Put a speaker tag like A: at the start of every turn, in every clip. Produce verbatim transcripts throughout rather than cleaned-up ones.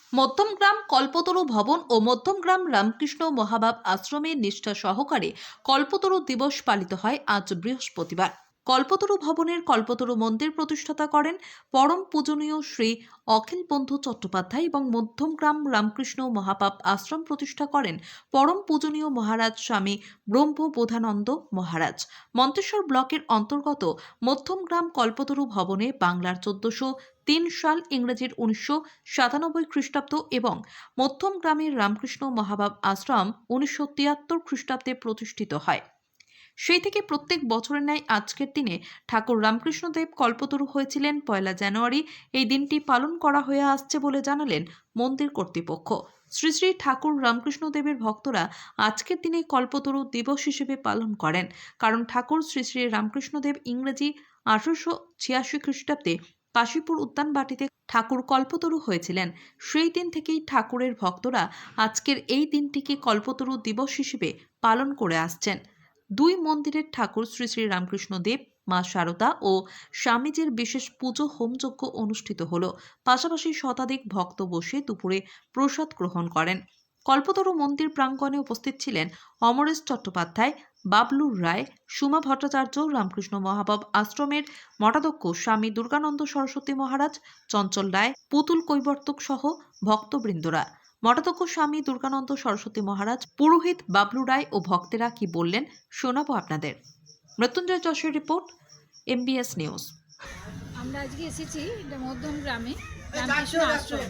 A: মধ্যমগ্রাম কল্পতরু ভবন ও মধ্যমগ্রাম রামকৃষ্ণ মহাভাব আশ্রমে নিষ্ঠা সহকারে কল্পতরু দিবস পালিত হয় আজ বৃহস্পতিবার। কল্পতরু ভবনের কল্পতরু মন্দির প্রতিষ্ঠাতা করেন পরম পূজনীয় শ্রী অখিল বন্ধু চট্টোপাধ্যায় এবং মধ্যমগ্রাম রামকৃষ্ণ মহাপাপ আশ্রম প্রতিষ্ঠা করেন পরম পূজনীয় মহারাজ স্বামী ব্রহ্মবোধানন্দ মহারাজ। মন্তেশ্বর ব্লকের অন্তর্গত মধ্যমগ্রাম কল্পতরু ভবনে বাংলার চোদ্দশো তিন সাল ইংরেজির উনিশশো সাতানব্বই খ্রিস্টাব্দ এবং মধ্যমগ্রামের রামকৃষ্ণ মহাভাব আশ্রম উনিশশো তিয়াত্তর খ্রিস্টাব্দে প্রতিষ্ঠিত হয়। সেই থেকে প্রত্যেক বছরের ন্যায় আজকের দিনে ঠাকুর রামকৃষ্ণদেব কল্পতরু হয়েছিলেন পয়লা জানুয়ারি। এই দিনটি পালন করা হয়ে আসছে বলে জানালেন মন্দির কর্তৃপক্ষ। শ্রী শ্রী ঠাকুর রামকৃষ্ণদেবের ভক্তরা আজকের দিনে কল্পতরু দিবস হিসেবে পালন করেন, কারণ ঠাকুর শ্রী শ্রী রামকৃষ্ণদেব ইংরেজি আঠারোশো ছিয়াশি খ্রিস্টাব্দে কাশীপুর উদ্যানবাটিতে ঠাকুর কল্পতরু হয়েছিলেন। সেই দিন থেকেই ঠাকুরের ভক্তরা আজকের এই দিনটিকে কল্পতরু দিবস হিসেবে পালন করে আসছেন। দুই মন্দিরের ঠাকুর শ্রী শ্রী রামকৃষ্ণ দেব, মা শারদা ও স্বামীজির বিশেষ পুজো হোমযজ্ঞ অনুষ্ঠিত হল। পাশাপাশি শতাধিক ভক্ত বসে দুপুরে প্রসাদ গ্রহণ করেন। কল্পতরু মন্দির প্রাঙ্গণে উপস্থিত ছিলেন অমরেশ চট্টোপাধ্যায়, বাবলু রায়, সুমা ভট্টাচার্য, রামকৃষ্ণ মহাভাব আশ্রমের মঠাধ্যক্ষ স্বামী দুর্গানন্দ সরস্বতী মহারাজ, চঞ্চল রায়, পুতুল কৈবর্তক সহ ভক্তবৃন্দরা। মঠাধ্যক্ষ স্বামী দুর্গানন্দ সরস্বতী মহারাজ, পুরোহিত বাবলু রায় ও ভক্তেরা কি বললেন শোনাবো আপনাদের। মৃত্যুঞ্জয় যশের রিপোর্ট, এমবিএস নিউজ।
B: আমরা আজকে এসেছি এটা মধ্যম গ্রামে রামকৃষ্ণ আশ্রমে।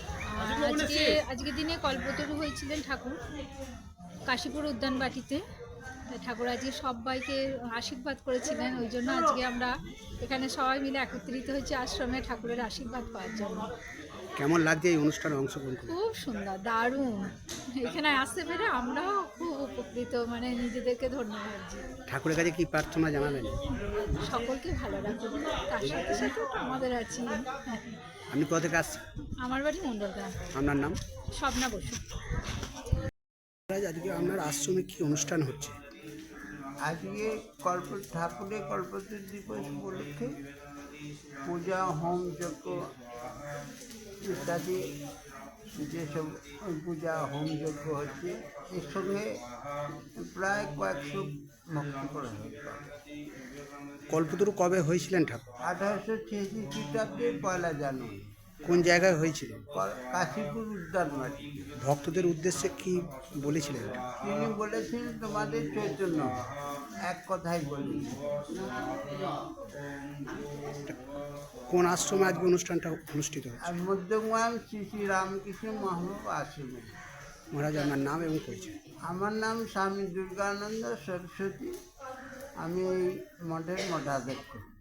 B: আজকে আজকে দিনে কল্পতরু হয়েছিলেন ঠাকুর কাশীপুর উদ্যানবাটিতে। ঠাকুর আজকে সবাইকে আশীর্বাদ করেছিলেন, ওই জন্য আজকে আমরা এখানে সবাই মিলে একত্রিত হয়েছি আশ্রমে ঠাকুরের আশীর্বাদ পাওয়ার জন্য।
C: কেমন লাগছে এই অনুষ্ঠানে অংশগ্রহণ করে?
B: খুব সুন্দর, দারুণ। এখানে আসতে পেরে আমরাও খুব উপকৃত, মানে নিজেদেরকে ধন্য ভাবছি।
C: ঠাকুরের কাছে কি প্রার্থনা জানাবেন?
B: সকলকে ভালো রাখুন, তার সাথে সাথে আমাদের আছি।
C: আপনি কোথা থেকে আসছেন?
B: আমার বাড়ি মণ্ডলগ্রাম।
C: আপনার নাম?
B: স্বপ্না বসু।
C: আজকে আপনার আশ্রমে কি অনুষ্ঠান হচ্ছে?
D: আজকে কল্প ঠাকুরের কল্পতরু দিবস উপলক্ষে পূজা, হোম যজ্ঞ ইত্যাদি যেসব পূজা হোম যজ্ঞ হচ্ছে, এর সঙ্গে প্রায় কয়েকশো ভক্তি করা হয়েছে।
C: কল্পতরু কবে হয়েছিলেন ঠাকুর?
D: আঠারোশো ছিয়াশি খ্রিস্টাব্দে পয়লা জানুয়ারি।
C: কোন জায়গায় হয়েছিল?
D: কাশীপুর উদ্যানবাটি।
C: ভক্তদের উদ্দেশ্যে কি বলেছিলেন?
D: তিনি বলেছিলেন তোমাদের চৈতন্য, এক কথাই বলি।
C: কোন আশ্রমে আজকে অনুষ্ঠানটা অনুষ্ঠিত হচ্ছে?
D: আর মধ্যমগ্রাম শ্রী শ্রী রামকৃষ্ণ মহাভাব আশ্রমে।
C: মহারাজ, আপনার নাম এবং পরিচয়?
D: আমার নাম স্বামী দুর্গানন্দ সরস্বতী, আমি এই মঠের মঠাধ্যক্ষ।